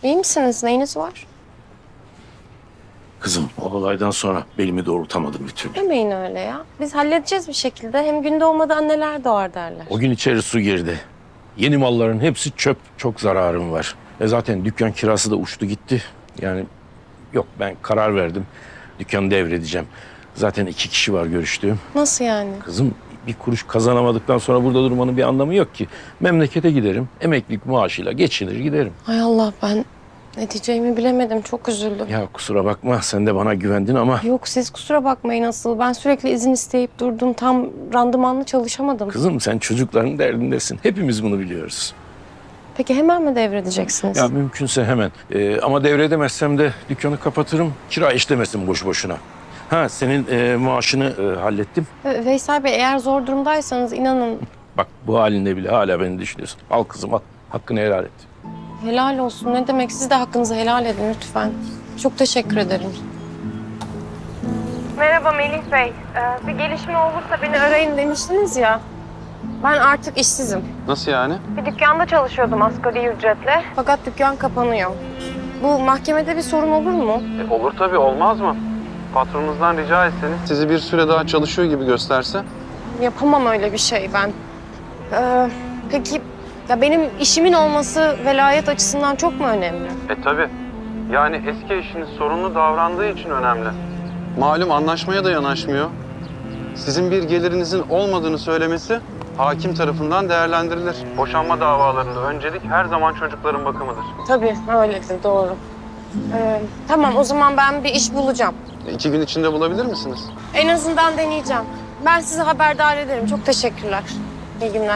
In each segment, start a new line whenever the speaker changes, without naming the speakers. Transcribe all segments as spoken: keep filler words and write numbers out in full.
İyi misiniz? Neyiniz var?
Kızım o olaydan sonra belimi doğrultamadım bir türlü.
Demeyin öyle ya. Biz halledeceğiz bir şekilde. Hem gün doğmadan anneler doğar derler.
O gün içeri su girdi. Yeni malların hepsi çöp. Çok zararım var. E zaten dükkan kirası da uçtu gitti. Yani yok, ben karar verdim. Dükkanı devredeceğim. Zaten iki kişi var görüştüğüm.
Nasıl yani?
Kızım bir kuruş kazanamadıktan sonra burada durmanın bir anlamı yok ki. Memlekete giderim. Emeklilik maaşıyla geçinir giderim.
Hay Allah, ben ne diyeceğimi bilemedim. Çok üzüldüm.
Ya kusura bakma, sen de bana güvendin ama...
Yok, siz kusura bakmayın asıl. Ben sürekli izin isteyip durdum. Tam randımanlı çalışamadım.
Kızım sen çocukların derdindesin. Hepimiz bunu biliyoruz.
Peki hemen mi devredeceksiniz?
Ya mümkünse hemen. Ee, ama devredemezsem de dükkanı kapatırım. Kira işlemesin boş boşuna. Ha, senin e, maaşını e, hallettim.
Ve- Veysel Bey, eğer zor durumdaysanız inanın
Bak bu halinde bile hala beni düşünüyorsun. Al kızım al. Hakkını helal et.
helal olsun. Ne demek? Siz de hakkınızı helal edin lütfen. Çok teşekkür ederim. Merhaba Melih Bey. Ee, bir gelişme olursa beni arayın demiştiniz ya. Ben artık işsizim.
Nasıl yani?
Bir dükkanda çalışıyordum asgari ücretle. Fakat dükkan kapanıyor. Bu mahkemede bir sorun olur mu?
E, olur tabii, olmaz mı? Patronunuzdan rica etseniz sizi bir süre daha çalışıyor gibi gösterse.
Yapamam öyle bir şey ben. Ee, peki ya benim işimin olması velayet açısından çok mu önemli?
E tabii. Yani eski eşiniz sorunlu davrandığı için önemli. Malum anlaşmaya da yanaşmıyor. Sizin bir gelirinizin olmadığını söylemesi hakim tarafından değerlendirilir. Boşanma davalarında öncelik her zaman çocukların bakımıdır.
Tabii öyledir, doğru. Ee, tamam, o zaman ben bir iş bulacağım.
E, İki gün içinde bulabilir misiniz?
En azından deneyeceğim. Ben sizi haberdar ederim. Çok teşekkürler. İyi günler.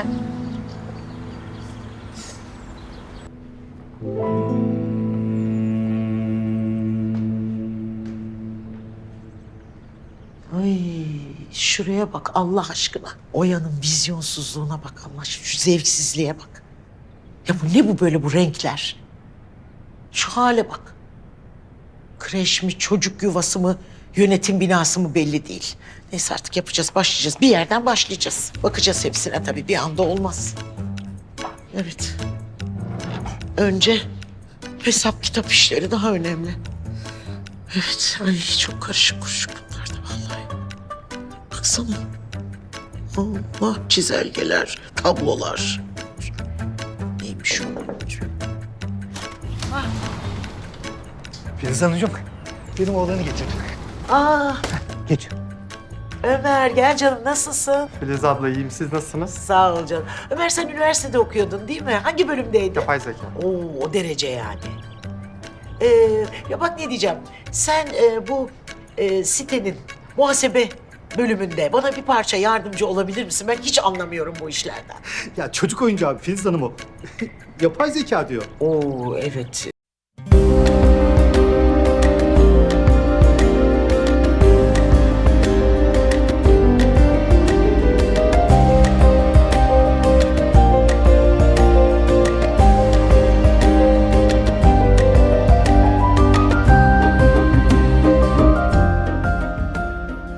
Ay şuraya bak Allah aşkına. Oya'nın vizyonsuzluğuna bak Allah aşkına. Şu zevksizliğe bak. Ya bu ne bu böyle bu renkler? Şu hale bak. Kreş mi, çocuk yuvası mı, yönetim binası mı belli değil. Neyse artık yapacağız, başlayacağız. Bir yerden başlayacağız. Bakacağız hepsine tabii, bir anda olmaz. Evet. Önce hesap kitap işleri daha önemli. Evet, ay çok karışık kuruşuk bunlar da vallahi. Baksana. Allah, çizelgeler, tablolar. Neymiş o?
Filiz Hanımcığım, benim oğlanı getirdim.
Aa,
Geç.
Ömer gel canım, nasılsın?
Filiz abla iyiyim, siz nasılsınız?
Sağ ol canım. Ömer sen üniversitede okuyordun değil mi? Hangi bölümdeydin?
Yapay zeka.
Oo, o derece yani. Ee, ya bak ne diyeceğim. Sen e, bu e, sitenin muhasebe bölümünde bana bir parça yardımcı olabilir misin? Ben hiç anlamıyorum bu işlerden.
Ya çocuk oyuncağı Filiz Hanım o. Yapay zeka diyor.
Oo evet.